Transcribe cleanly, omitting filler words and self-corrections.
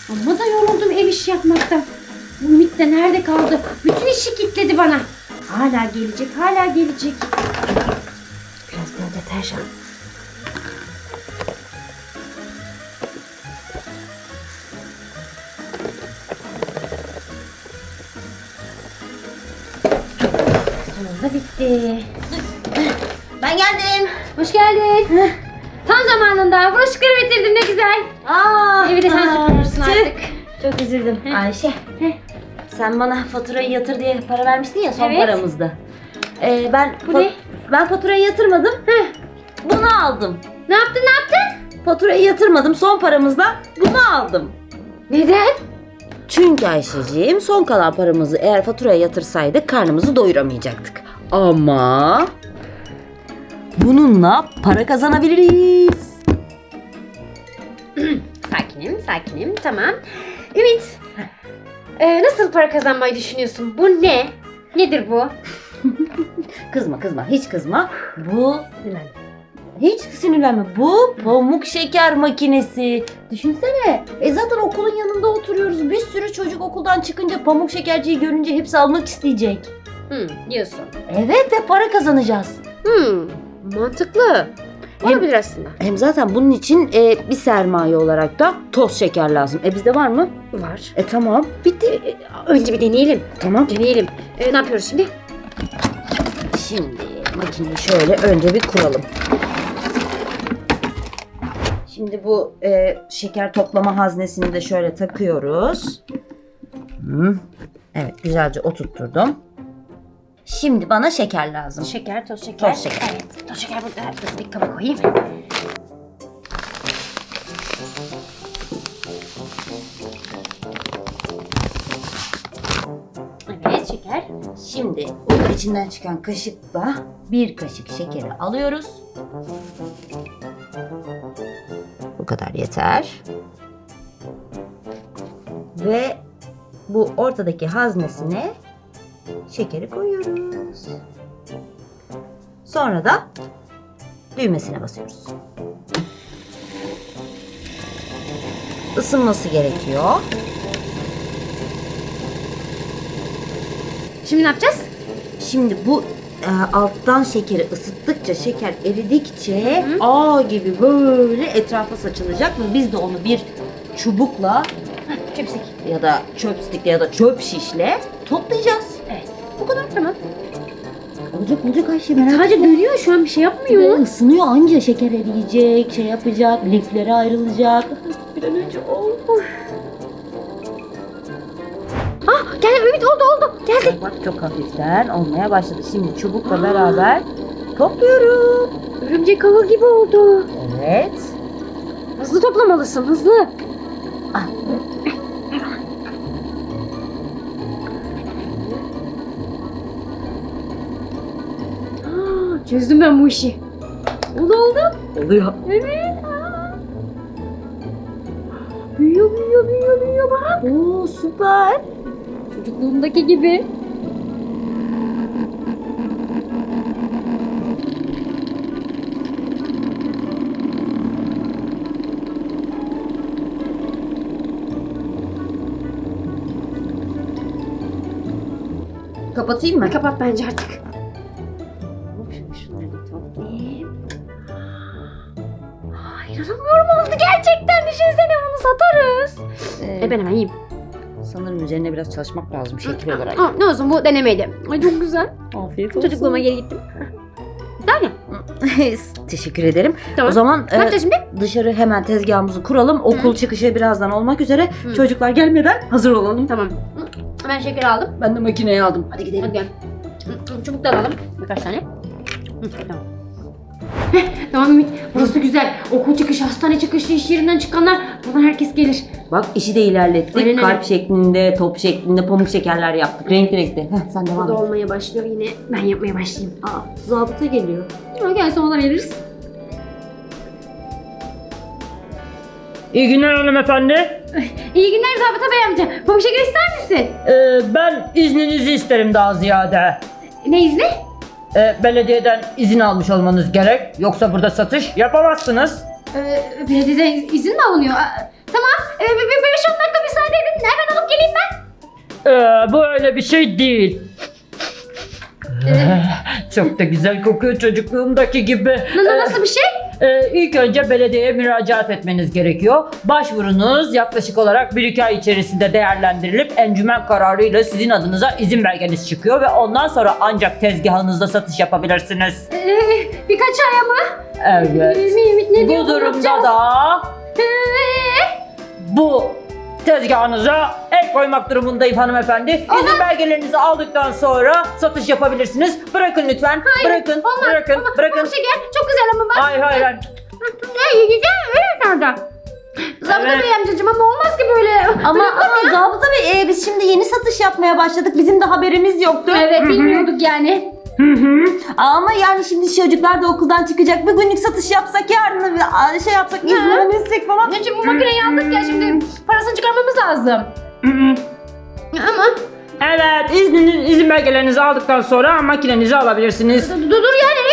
Amma da yoruldum ev işi yapmaktan. Bu Ümit de nerede kaldı? Bütün işi kilitledi bana. Hala gelecek, hala gelecek. Biraz daha deterjan. Sonunda bitti. Ben geldim. Hoş geldin. Tam zamanında. Bulaşıkları bitirdim, ne güzel. Evi de sen süpürürsün artık. Çok üzüldüm. Ayşe. Sen bana faturayı yatır diye para vermiştin ya son Evet. paramızda. Bu ne? Ben faturayı yatırmadım. Bunu aldım. Ne yaptın, ne yaptın? Faturayı yatırmadım. Son paramızla bunu aldım. Neden? Çünkü Ayşeciğim son kalan paramızı eğer faturaya yatırsaydık karnımızı doyuramayacaktık. Ama bununla para kazanabiliriz. Sakinim, tamam. Ümit, nasıl para kazanmayı düşünüyorsun? Bu ne? Nedir bu? Kızma, hiç kızma. Bu hiç sinirlenme. Bu pamuk şeker makinesi. Düşünsene. Zaten okulun yanında oturuyoruz. Bir sürü çocuk okuldan çıkınca pamuk şekerciyi görünce hepsi almak isteyecek. Diyorsun. Evet ve para kazanacağız. Mantıklı. Olabilir aslında. Hem zaten bunun için bir sermaye olarak da toz şeker lazım. Bizde var mı? Var. Tamam. Bitti. Önce bir deneyelim. Tamam. Deneyelim. Ne yapıyoruz şimdi? Şimdi makineyi şöyle önce bir kuralım. Şimdi bu şeker toplama haznesini de şöyle takıyoruz. Evet, güzelce oturtturdum. Şimdi bana şeker lazım. Şeker, toz şeker. Toz şeker. Evet, toz şeker burada. Dur, bir kaba koyayım. Evet, şeker. Şimdi bunun içinden çıkan kaşıkla bir kaşık şekeri alıyoruz. Bu kadar yeter. Ve bu ortadaki haznesine şekeri koyuyoruz. Sonra da düğmesine basıyoruz. Isınması gerekiyor. Şimdi ne yapacağız? Şimdi bu alttan şekeri ısıttıkça, şeker eridikçe ağ gibi böyle etrafa saçılacak ve biz de onu bir çubukla Çöpsik. ya da çöpstikle ya da çöp şişle toplayacağız. Evet. Bu kadar, tamam. Olacak Ayşe, merak Sadece etme. görüyor, şu an bir şey yapmıyor. Isınıyor, anca şeker eriyecek, şey yapacak, liflere ayrılacak. Bir an önce ol. Gel Ümit, oldu. Geldi. Bak çok hafiften olmaya başladı. Şimdi çubukla beraber topluyorum. Örümcek ağı gibi oldu. Evet. Hızlı toplamalısın, hızlı. Ah. Çözdüm ben bu işi. Oldu. Oluyor. Evet. Büyüyor bak. Oo, süper. Çocukluğumdaki gibi. Kapatayım mı? Kapat bence artık. Şunları da toplayayım. İnanamıyorum, oldu gerçekten. Düşünsene, bunu satarız. Ben hemen yiyeyim. Sanırım üzerine biraz çalışmak lazım şekil olarak. Ne olsun, bu denemeydi. Ay çok güzel. Afiyet olsun. Çocukluğuma geri gittim. Güzel mi? Teşekkür ederim. Tamam. O zaman Ne yapacağız şimdi? dışarı hemen tezgahımızı kuralım. Okul çıkışı birazdan olmak üzere. Çocuklar gelmeden hazır olalım. Tamam. Ben şeker aldım. Ben de makineyi aldım. Hadi gidelim. Hadi gel. Çubuk da alalım. Birkaç tane. Tamam. Tamam Ümit. Burası güzel. Okul çıkışı, hastane çıkışı, iş yerinden çıkanlar. Buradan herkes gelir. Bak işi de ilerlettik. Aynen öyle. Kalp şeklinde, top şeklinde pamuk şekerler yaptık. Renkli renkli. Sen devam Bu da et. olmaya başlıyor yine. Ben yapmaya başlayayım. Zabıta geliyor. Gel, sonra veririz. İyi günler hanımefendi. İyi günler Zabıta Bey amca. Pamuk şeker ister misin? Ben izninizi isterim daha ziyade. Ne izni? Belediyeden izin almış olmanız gerek. Yoksa burada satış yapamazsınız. Belediyeden izin mi alınıyor? Tamam. 5-10 dakika müsaade edin. Hemen alıp geleyim ben. Bu öyle bir şey değil. Çok da güzel kokuyor çocukluğumdaki gibi. Nasıl bir şey? İlk önce belediyeye müracaat etmeniz gerekiyor. Başvurunuz yaklaşık olarak 1-2 ay içerisinde değerlendirilip encümen kararıyla sizin adınıza izin belgeniz çıkıyor ve ondan sonra ancak tezgahınızda satış yapabilirsiniz. Birkaç aya mı? Evet. Ne diyor, Bu ne durumda yapacağız? da bu tezgahınıza el koymak durumundayım hanımefendi. İzin belgelerinizi aldıktan sonra satış yapabilirsiniz. Bırakın lütfen. Bırakın. Bırakın. Bırakın. Pamuk şeker çok güzel ama bak. Hayır hayır. hayır. Güzel öyle nerede? Zabıta Evet. Bey amcacığım ama olmaz ki böyle. Ama Zabıta Bey biz şimdi yeni satış yapmaya başladık. Bizim de haberimiz yoktu. Evet bilmiyorduk yani. Ama yani şimdi çocuklar da okuldan çıkacak. Bir günlük satış yapsak yarın şey yapsak izlenmesek falan. Ne için bu makineyi aldık ya şimdi parasını çıkarmamız lazım. Ama Evet, izin belgelerinizi aldıktan sonra makinenizi alabilirsiniz. dur yani